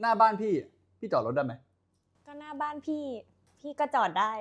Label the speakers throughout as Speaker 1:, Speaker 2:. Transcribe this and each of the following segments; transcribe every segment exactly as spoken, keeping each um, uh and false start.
Speaker 1: หน้าบ้านพี่พี่จอดรถได้ไหม
Speaker 2: ก็หน้าบ้านพี่พี่ก็จอดได้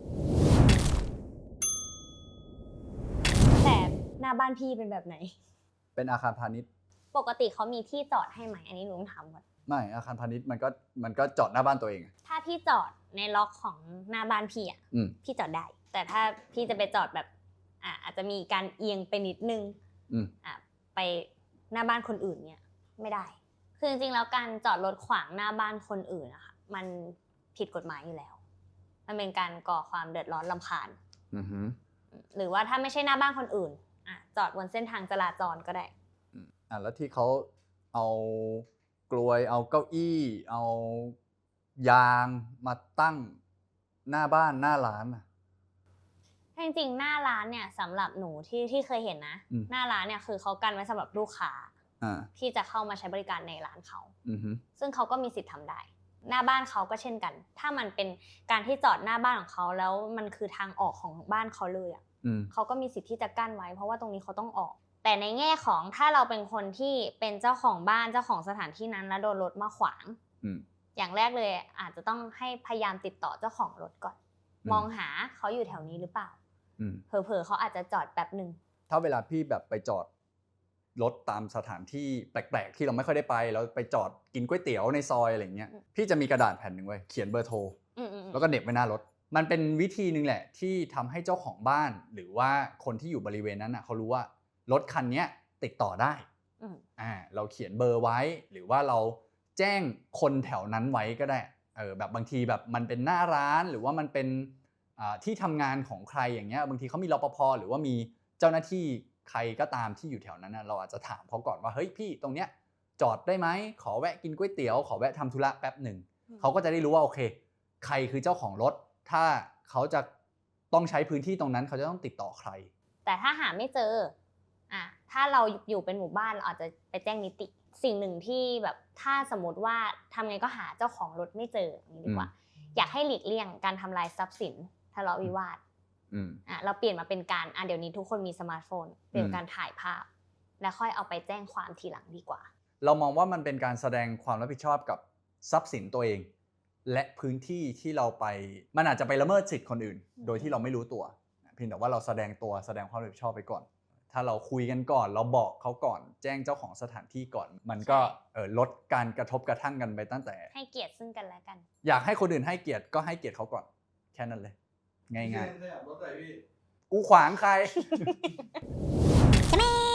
Speaker 2: แต่หน้าบ้านพี่เป็นแบบไหน
Speaker 1: เป็นอาคารพาณิชย์
Speaker 2: ปกติเขามีที่จอดให้ไหมอันนี้หนูต้องถามก่อน
Speaker 1: ไม่อาคารพาณิชย์มันก็มันก็จอดหน้าบ้านตัวเอง
Speaker 2: ถ้าพี่จอดในล็อกของหน้าบ้านพี่อ่ะพี่จอดได้แต่ถ้าพี่จะไปจอดแบบอ่ะอาจจะมีการเอียงไปนิดนึงอ่ะไปหน้าบ้านคนอื่นเนี่ยไม่ได้คือจริงๆแล้วการจอดรถขวางหน้าบ้านคนอื่นนะคะมันผิดกฎหมายอยู่แล้วมันเป็นการก่อความเดือดร้อนรำคาญหรือว่าถ้าไม่ใช่หน้าบ้านคนอื่นอ่ะจอดบนเส้นทางจราจรก็ได้
Speaker 1: อ่ะแล้วที่เขาเอากลวยเอาเก้าอี้เอายางมาตั้งหน้าบ้านหน้าร้านอ่ะ
Speaker 2: จริงๆหน้าร้านเนี่ยสำหรับหนูที่ที่เคยเห็นนะหน้าร้านเนี่ยคือเขากันไว้สำหรับลูกค้าที่จะเข้ามาใช้บริการในร้านเขาซึ่งเขาก็มีสิทธิ์ทำได้หน้าบ้านเขาก็เช่นกันถ้ามันเป็นการที่จอดหน้าบ้านของเขาแล้วมันคือทางออกของบ้านเขาเลยอ่ะเขาก็มีสิทธิ์ที่จะกั้นไว้เพราะว่าตรงนี้เขาต้องออกแต่ในแง่ของถ้าเราเป็นคนที่เป็นเจ้าของบ้านเจ้าของสถานที่นั้นแล้วโดนรถมาขวางอย่างแรกเลยอาจจะต้องให้พยายามติดต่อเจ้าของรถก่อนมองหาเขาอยู่แถวนี้หรือเปล่าเผลอๆเขาอาจจะจอดแป๊บนึง
Speaker 1: ถ้าเวลาพี่แบบไปจอดรถตามสถานที่แปลกๆที่เราไม่ค่อยได้ไปแล้วไปจอดกินก๋วยเตี๋ยวในซอยอะไรเงี้ยพี่จะมีกระดาษแผ่นหนึ่งไว้เขียนเบอร์โทรแล้วก็เหน็บไว้หน้ารถมันเป็นวิธีนึงแหละที่ทำให้เจ้าของบ้านหรือว่าคนที่อยู่บริเวณนั้นนะเขารู้ว่ารถคันนี้ติดต่อได้อ่าเราเขียนเบอร์ไว้หรือว่าเราแจ้งคนแถวนั้นไว้ก็ได้เออแบบบางทีแบบมันเป็นหน้าร้านหรือว่ามันเป็นที่ทำงานของใครอย่างเงี้ยบางทีเขามีรปภ.หรือว่ามีเจ้าหน้าที่ใครก็ตามที่อยู่แถวนั้นนะเราอาจจะถามเขาก่อนว่าเฮ้ยพี่ตรงเนี้ยจอดได้ไหมขอแวะกินก๋วยเตี๋ยวขอแวะทำธุระแป๊บหนึ่งเขาก็จะได้รู้ว่าโอเคใครคือเจ้าของรถถ้าเขาจะต้องใช้พื้นที่ตรงนั้นเขาจะต้องติดต่อใคร
Speaker 2: แต่ถ้าหาไม่เจออ่ะถ้าเราอยู่เป็นหมู่บ้านเราอาจจะไปแจ้งนิติสิ่งหนึ่งที่แบบถ้าสมมติว่าทำไงก็หาเจ้าของรถไม่เจออย่างนี้ดีกว่าอยากให้หลีกเลี่ยงการทำลายทรัพย์สินทะเลาะวิวาทอ่ะเราเปลี่ยนมาเป็นการอ่ะเดี๋ยวนี้ทุกคนมีสมาร์ทโฟนเปลี่ยนการถ่ายภาพแล้วค่อยเอาไปแจ้งความทีหลังดีกว่า
Speaker 1: เรามองว่ามันเป็นการแสดงความรับผิดชอบกับทรัพย์สินตัวเองและพื้นที่ที่เราไปมันอาจจะไปละเมิดสิทธิ์คนอื่นโดยที่เราไม่รู้ตัวเพียงแต่ว่าเราแสดงตัวแสดงความรับผิดชอบไปก่อนถ้าเราคุยกันก่อนเราบอกเขาก่อนแจ้งเจ้าของสถานที่ก่อนมันก็เอ่อลดการกระทบกระทั่งกันไปตั้งแต่
Speaker 2: ให้เกียรติซึ่งกันและกัน
Speaker 1: อยากให้คนอื่นให้เกียรติก็ให้เกียรติเขาก่อนแค่นั้นเลยง่ายๆกูขวางใคร